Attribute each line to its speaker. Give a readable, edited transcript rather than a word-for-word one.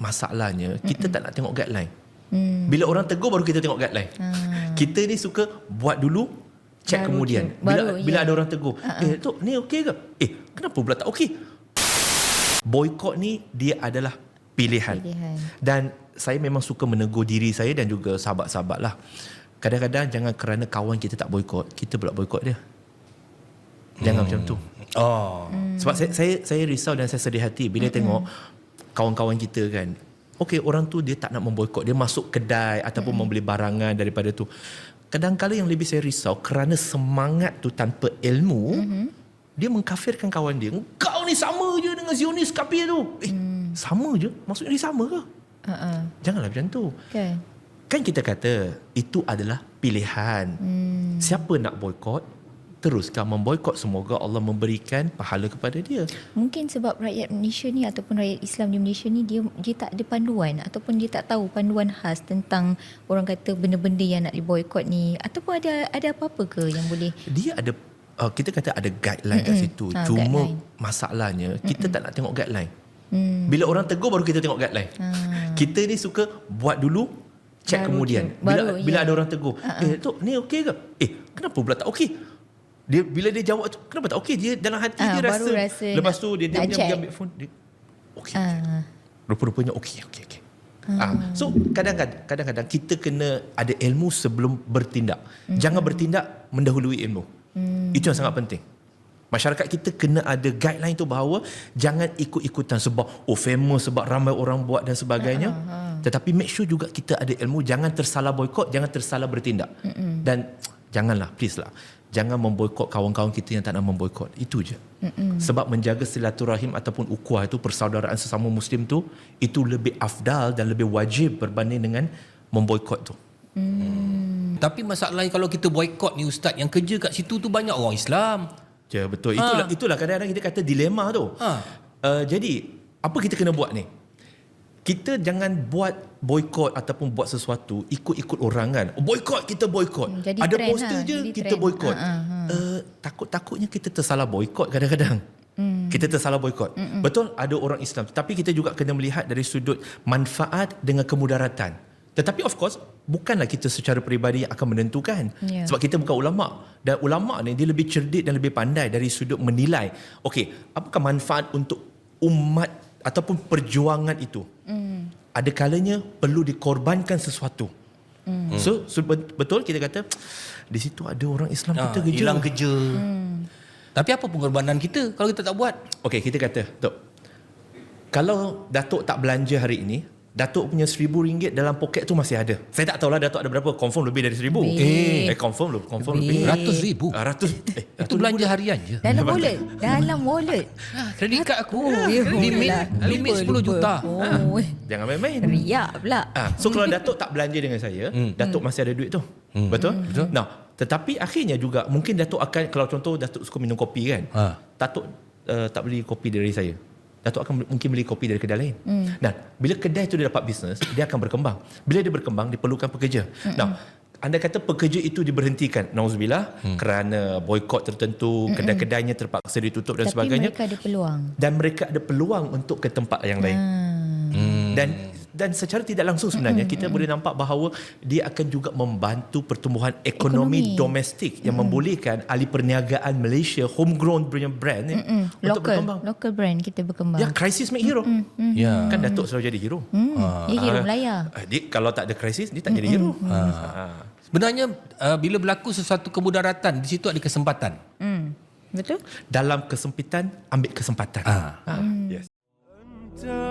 Speaker 1: masalahnya kita tak nak tengok guideline. Bila orang tegur baru kita tengok guideline. Kita ni suka buat dulu, check
Speaker 2: Baru
Speaker 1: kemudian.
Speaker 2: je. Baru,
Speaker 1: Bila
Speaker 2: ya.
Speaker 1: ada orang tegur, Tok ni okey ke? Kenapa pula tak okey? Boykot ni dia adalah pilihan. Dan saya memang suka menegur diri saya dan juga sahabat-sahabat lah. Kadang-kadang jangan kerana kawan kita tak boykot, kita pula boykot dia. Jangan macam tu. Sebab saya risau dan saya sedih hati bila tengok kawan-kawan kita kan. Okey, orang tu dia tak nak memboykot, dia masuk kedai ataupun membeli barangan daripada tu. Kadang-kala yang lebih saya risau kerana semangat tu tanpa ilmu, dia mengkafirkan kawan dia. Kau ni sama je dengan Zionis kafir tu. Sama je? Maksudnya dia sama ke? Janganlah macam tu. Kan kita kata itu adalah pilihan. Siapa nak boykot, teruskan memboykot. Semoga Allah memberikan pahala kepada dia.
Speaker 2: Mungkin sebab rakyat Malaysia ni ataupun rakyat Islam di Malaysia ni dia tak ada panduan ataupun dia tak tahu panduan khas tentang orang kata benda-benda yang nak diboykot ni, ataupun ada apa-apa ke yang boleh
Speaker 1: dia ada kita kata ada guideline kat situ. Cuma masalahnya kita tak nak tengok guideline. Bila orang tegur baru kita tengok guideline. Kita ni suka buat dulu, check
Speaker 2: Baru
Speaker 1: kemudian.
Speaker 2: je. Baru,
Speaker 1: Bila ada orang tegur, Tok ni okey ke? Kenapa pula tak okey? Bila dia jawab tu, kenapa tak okey? Dia dalam hati dia rasa lepas tu dia ambil phone, dia okey. Rupa-rupanya okey. So kadang-kadang kita kena ada ilmu sebelum bertindak. Jangan bertindak mendahului ilmu. Itu yang sangat penting. Masyarakat kita kena ada guideline tu bahawa jangan ikut-ikutan sebab famous, sebab ramai orang buat dan sebagainya. Tetapi make sure juga kita ada ilmu, jangan tersalah boykot, jangan tersalah bertindak. Dan janganlah, please lah, jangan memboykot kawan-kawan kita yang tak nak memboykot. Itu je. Sebab menjaga silaturahim ataupun ukhuwah itu, persaudaraan sesama Muslim tu, itu lebih afdal dan lebih wajib berbanding dengan memboykot tu.
Speaker 3: Tapi masalahnya kalau kita boykot ni Ustaz, yang kerja kat situ tu banyak orang Islam.
Speaker 1: Ya, betul. Itulah kadang-kadang kita kata dilema tu. Jadi apa kita kena buat ni? Kita jangan buat boykot ataupun buat sesuatu ikut-ikut orang kan. Boykot, kita boykot. Ada poster je kita boykot. Takut-takutnya kita tersalah boykot kadang-kadang. Kita tersalah boykot. Betul ada orang Islam, tapi kita juga kena melihat dari sudut manfaat dengan kemudaratan. Tetapi of course bukanlah kita secara peribadi yang akan menentukan. Sebab kita bukan ulama. Dan ulama ni dia lebih cerdik dan lebih pandai dari sudut menilai. Okey, apakah manfaat untuk umat ataupun perjuangan itu? Ada kalanya perlu dikorbankan sesuatu. So betul kita kata di situ ada orang Islam kita kerja.
Speaker 3: Hilang kerja. Tapi apa pengorbanan kita kalau kita tak buat?
Speaker 1: Okey, kita kata, Tok, kalau Datuk tak belanja hari ini, Datuk punya RM1,000 dalam poket tu masih ada. Saya tak tahulah Datuk ada berapa. Confirm lebih dari RM1,000. Confirm lebih.
Speaker 3: RM100,000. Itu belanja harian je.
Speaker 2: dalam wallet.
Speaker 3: Kredit kad aku limit 10 juta.
Speaker 1: Jangan main-main.
Speaker 2: Riak pula.
Speaker 1: So kalau Datuk tak belanja dengan saya, Datuk masih ada duit tu. Betul? Nah, tetapi akhirnya juga mungkin Datuk akan, kalau contoh Datuk suka minum kopi kan, Datuk tak beli kopi dari saya, Datuk akan mungkin beli kopi dari kedai lain. Dan bila kedai itu dia dapat bisnes, dia akan berkembang. Bila dia berkembang, diperlukan pekerja. Nah, anda kata pekerja itu diberhentikan, nauzubillah, kerana boykot tertentu, kedai-kedainya terpaksa ditutup dan sebagainya.
Speaker 2: Tapi mereka ada peluang.
Speaker 1: Dan mereka ada peluang untuk ke tempat yang lain. Dan secara tidak langsung sebenarnya kita boleh nampak bahawa dia akan juga membantu pertumbuhan ekonomi domestik yang membolehkan ahli perniagaan Malaysia, homegrown punya brand untuk berkembang.
Speaker 2: Local brand kita berkembang.
Speaker 1: Ya, crisis make hero. Kan Datuk selalu jadi hero.
Speaker 2: Dia hero Melaya.
Speaker 1: Kalau tak ada krisis, dia tak jadi hero.
Speaker 3: Sebenarnya bila berlaku sesuatu kemudaratan, di situ ada kesempatan.
Speaker 2: Betul?
Speaker 1: Dalam kesempitan, ambil kesempatan. Yes.